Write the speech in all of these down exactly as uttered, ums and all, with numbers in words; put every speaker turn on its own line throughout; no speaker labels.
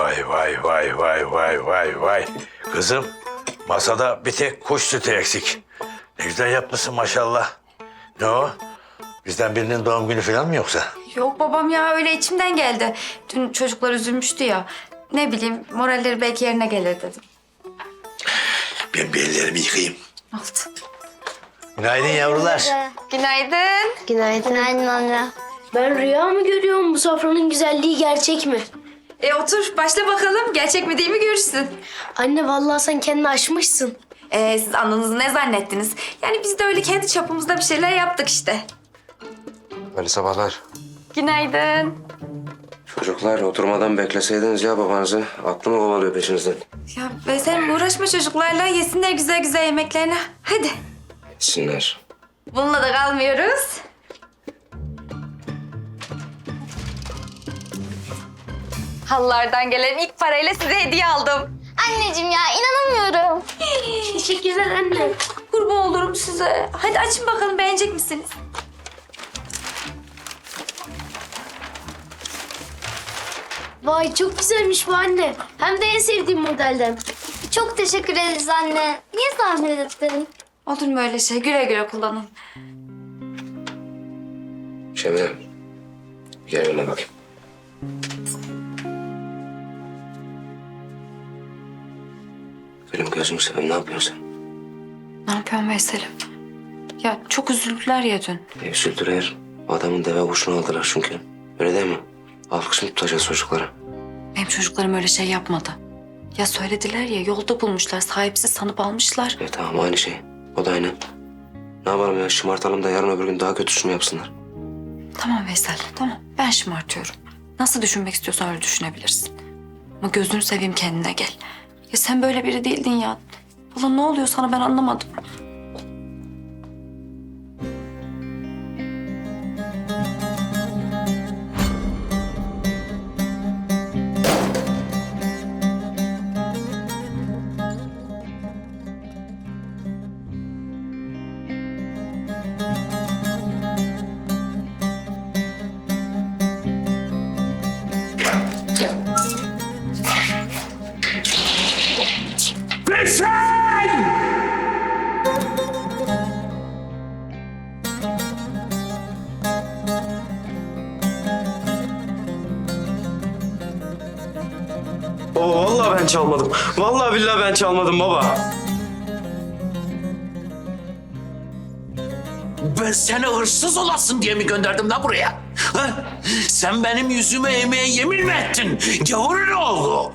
vay vay vay vay vay vay vay. Kızım masada bir tek kuş sütü eksik. Ne güzel yapmışsın maşallah. Ne o? Bizden birinin doğum günü falan mı yoksa?
Yok babam ya, öyle içimden geldi. Dün çocuklar üzülmüştü ya. Ne bileyim, moralleri belki yerine gelir dedim.
Ben bir ellerimi yıkayayım.
Oldu.
Günaydın yavrular.
Günaydın.
Günaydın. Günaydın anne.
Ben rüya mı görüyorum, bu sofranın güzelliği gerçek mi?
E otur, başla bakalım. Gerçek mi değil mi görürsün.
Anne vallahi sen kendini aşmışsın.
E, siz ananızı ne zannettiniz? Yani biz de öyle kendi çapımızda bir şeyler yaptık işte.
Ali sabahlar.
Günaydın.
Çocuklar oturmadan bekleseydiniz ya babanızı. Aklımı kovalıyor peşinizden.
Ya be sen uğraşma çocuklarla. Yesinler güzel güzel yemeklerini. Hadi.
Yesinler.
Bununla da kalmıyoruz. Halılardan gelen ilk parayla size hediye aldım.
Anneciğim ya inanamıyorum.
Teşekkürler anne.
Kurban olurum size. Hadi açın bakalım, beğenecek misiniz?
Vay çok güzelmiş bu anne. Hem de en sevdiğim modelden.
Çok teşekkür ederiz anne. Niye zahmet ettin?
Olur mu öyle şey? Güle güle kullanın.
Şemine. Gel yanıma bakayım. Benim gözümü seveyim, ne yapıyorsun sen?
Ne yapıyorsun Veysel'im? Ya çok üzüldüler ya dün.
E, üzüldüler. Adamın deve kuşunu aldılar çünkü. Öyle değil mi? Alkış mı tutacağız çocuklara?
Benim çocuklarım öyle şey yapmadı. Ya söylediler ya, yolda bulmuşlar. Sahipsiz sanıp almışlar.
E tamam aynı şey. O da aynı. Ne yapalım ya, şımartalım da yarın öbür gün daha kötüsünü yapsınlar.
Tamam Veysel, tamam. Ben şımartıyorum. Nasıl düşünmek istiyorsan öyle düşünebilirsin. Ama gözünü seveyim, kendine gel. Ya sen böyle biri değildin ya. Valla ne oluyor sana, ben anlamadım.
Oo, vallahi ben çalmadım. Vallahi billahi ben çalmadım baba.
Ben seni hırsız olasın diye mi gönderdim lan buraya? Ha? Sen benim yüzüme eğmeye yemin mi ettin? Gavurun oğlu.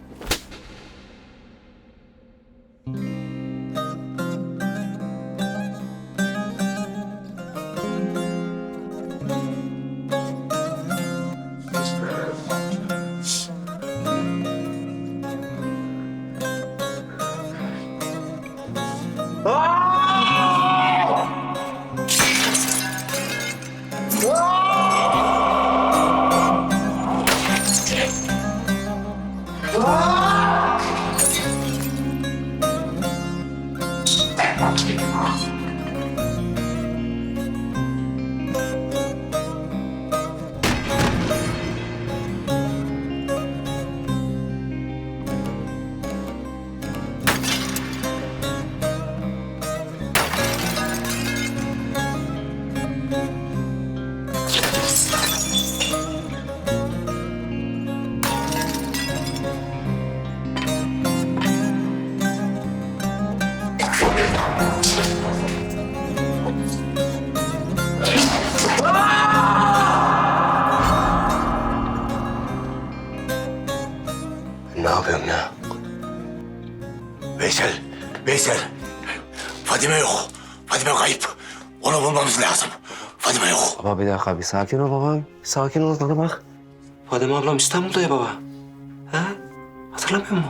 Ne yapıyorum ya?
Veysel, Veysel. Fadime yok. Fadime kayıp. Onu bulmamız lazım. Fadime yok.
Baba bir dakika, bir sakin ol babam. Bir sakin ol, bana bak. Fadime ablam İstanbul'da ya baba. Ha? Hatırlamıyor musun?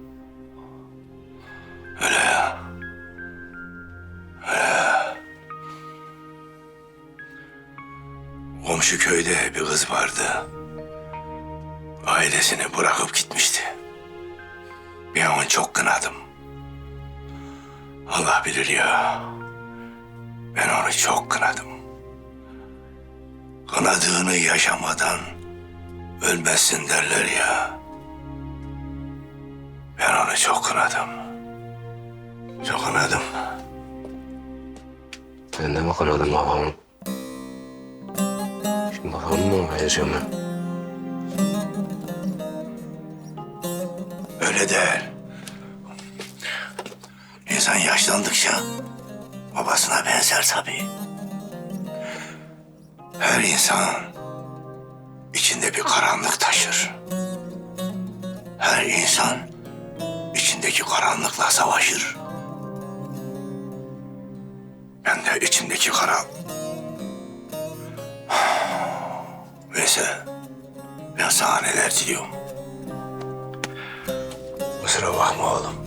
Öyle ya. Öyle. Komşu köyde bir kız vardı. Ailesini bırakıp gitmişti. Ben onu çok kınadım. Allah bilir ya. Ben onu çok kınadım. Kınadığını yaşamadan ölmezsin derler ya. Ben onu çok kınadım. Çok kınadım.
Ben de mi kınadım babamı? Şimdi babamı mı vereceğim ben?
Öyle değil. İnsan yaşlandıkça babasına benzer tabii. Her insan içinde bir karanlık taşır. Her insan içindeki karanlıkla savaşır. Ben de içimdeki kara... Veysel, ben sana neler diliyorum. Kusura bakma oğlum.